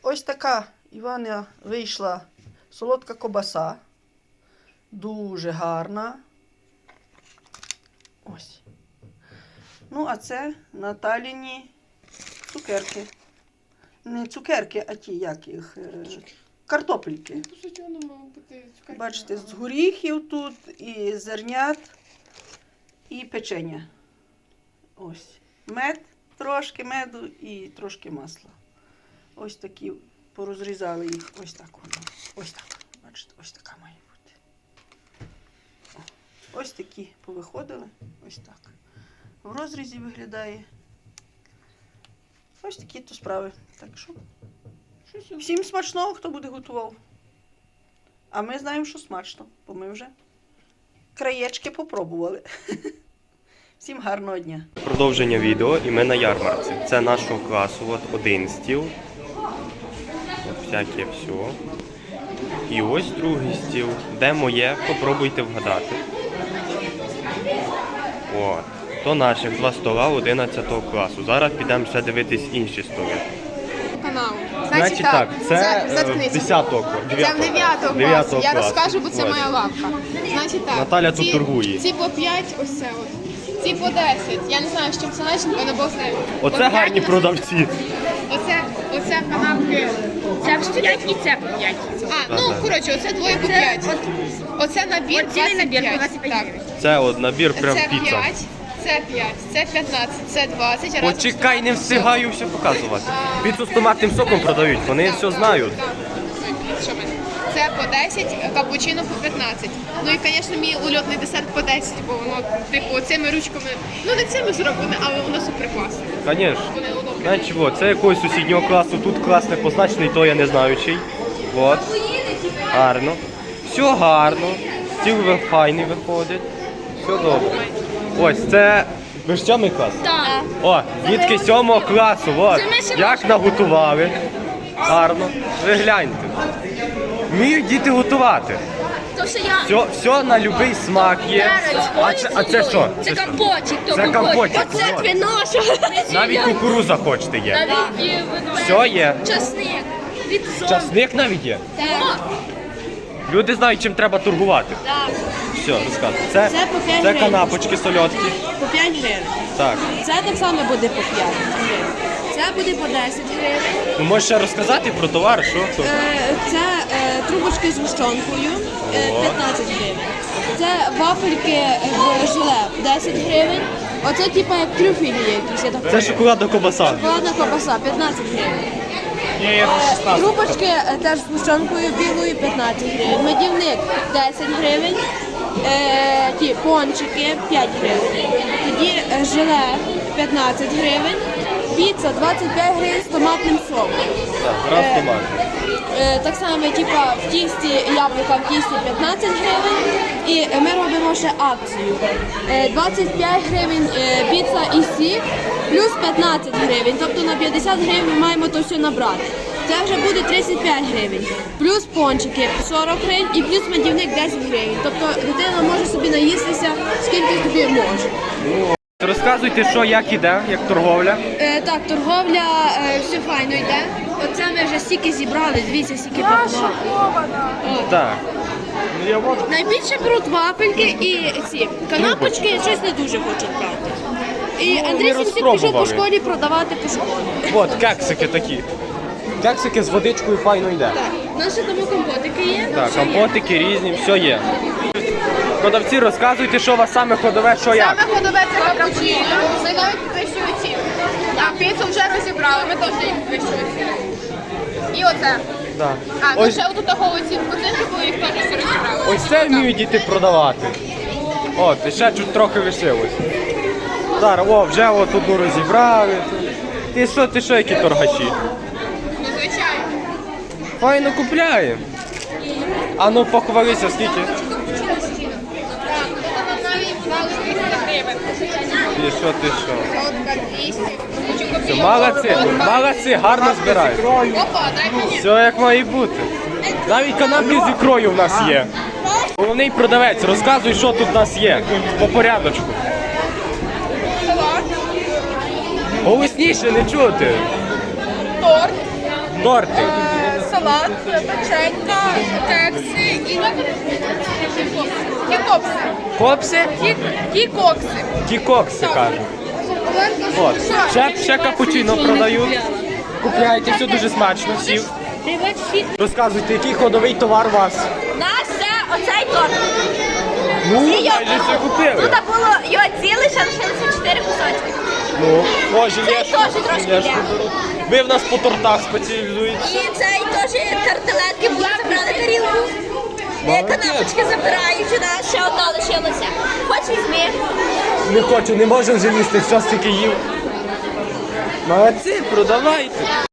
ось така Івана вийшла солодка ковбаса. Дуже гарна. Ось. Ну, а це Наталіні цукерки. Не цукерки, а ті, як їх, картопельки. Бачите, з горіхів тут, і зернят, і печення. Ось. Мед, трошки меду і трошки масла. Ось такі, порозрізали їх, ось так воно. Ось так. Бачите, ось така має бути. Ось такі повиходили, ось так. В розрізі виглядає. Ось такі то справи. Так що, всім смачного, хто буде готував. А ми знаємо, що смачно, бо ми вже краєчки попробували. Всім гарного дня. Продовження відео, і ми на ярмарці. Це нашого класу, от один стіл. От всяке все. І ось другий стіл. Де моє, попробуйте вгадати. От. То наших два стола 11 класу. Зараз підемо ще дивитись інші столи. Канал. Значить так, це 10 класу. Це в 9 класу. Я розкажу, бо це моя лавка. Значить так. Наталя тут торгує. Ці по 5, ось це от. Ці по 10. Я не знаю, з чим це начинка, але Бог знає. Оце гарні продавці. Оце канапки. Це по 5 і це по 5. Ну, коротше, оце двоє по 5. Оце набір 25. Так. Це от набір прям Це піца. 5, це 5, це 15, це 20. разом Почекай, не встигаю все показувати. Піцу з томатним соком продають, вони все знають. Що в мене? Це по 10, капучино по 15. Ну і, звісно, мій ульотний десерт по 10, бо воно, типу, цими ручками, ну не цими зроблене, але воно супер класне. Звісно. Вони удобні. Знаєш чого, це якогось сусіднього класу, тут клас не позначений, то я не знаю чий. От. Гарно. Все гарно. Стіл файний виходить. Все добре. Ось це. Ви ж 7 клас? Так. О, дітки 7 класу. От. Це ми ще Як наготували. Гарно. Ви гляньте. Вміють діти готувати. То що я... Все на будь-який смак є. А це що? Це компотик. Це компотик. Оце Вот. твій наш. Навіть кукуруза хочете є. Навіть є Все є. часник. Від зомбі. Часник навіть є. Так. Люди знають, чим треба торгувати. Так. Все, розказуй. Це по 5 це гривень. канапочки сольотки. По 5 гривень. Так. Це так само буде по 5 гривень. Це буде по 10 гривень. Ну, можеш ще розказати про товар, що це? Це трубочки з гущонкою 15 гривень. Це вафельки в желе 10 гривень. Оце типа як трюфелі якісь. Я так Це розумію. шоколадна ковбаса. Шоколадна ковбаса 15 гривень. Трубочки теж з гущонкою білою 15 гривень. Медівник 10 гривень. Ті пончики 5 гривень. Тоді желе 15 гривень. Піца 25 гривень з томатним соком. Так, раз томат. Так само, типа в тісті яблука в тісті 15 гривень. І ми робимо ще акцію. 25 гривень піца і сік, плюс 15 гривень. Тобто на 50 гривень ми маємо то все набрати. Це вже буде 35 гривень. Плюс пончики 40 гривень і плюс медівник 10 гривень. Тобто дитина може собі наїстися скільки собі може. Розказуйте, що, як іде, як торговля. Так, торговля все файно йде. Оце ми вже стільки зібрали, дивіться, стільки бабла. Так. Найбільше беруть вафельки і ці канапочки щось не дуже хочуть брати. І Андрій Сімсик пішов по розпробували. школі продавати по школі. От, кексики такі. Кексики з водичкою файно йде. Так, наші тому компотики є. Так, компотики різні, все є. Продавці, розказуйте, що у вас саме ходове, що як. Саме ходове це капучино. Ми навіть підвищують ціну. А піцу вже розібрали, ми теж їх підвищують ціну. І оце. Так. А, ну Ось, ще отут того ці вкусинки, бо їх теж всі розібрали. ось це вміють діти продавати. От, і ще чуть трохи лишилось. Зараз, вже от одну розібрали. Ти що, які торгаші? Ну, звичайно. Файно купляємо. А ну похвалися, скільки? Так, ну то нам навіть дали 200 гривень. Ти що? Сотка 200. Все, молодці, гарно збирають. Опа, дай мені. Все як має бути. Навіть канапки з ікрою в нас є. Головний продавець, розказуй, що тут в нас є. По порядочку. Салат, Голосніше, не чути. торт, Торти. Салат, печенька, кекси і кікокси. Копси? Кікокси. Кікокси, кажуть. От. Ще капучино продають. Купляйте, все дуже смачно всі. Розказуйте, який ходовий товар у вас? Наш це оцей торт. Ну, майже все купили. Тут було його ціле, ще лишилося 4 кусочки. Ну, о, жилешку. Цей теж трошки жилешку є. беру. Ви в нас по тортах спеціалізуєтесь. І цей теж тарталетки були, забрали тарілку. Канапочки забирають у нас, ще одна лишилася. Хоч візьми. Не хочу, не можу вже їсти, все стільки їв. Молодці, продавайте.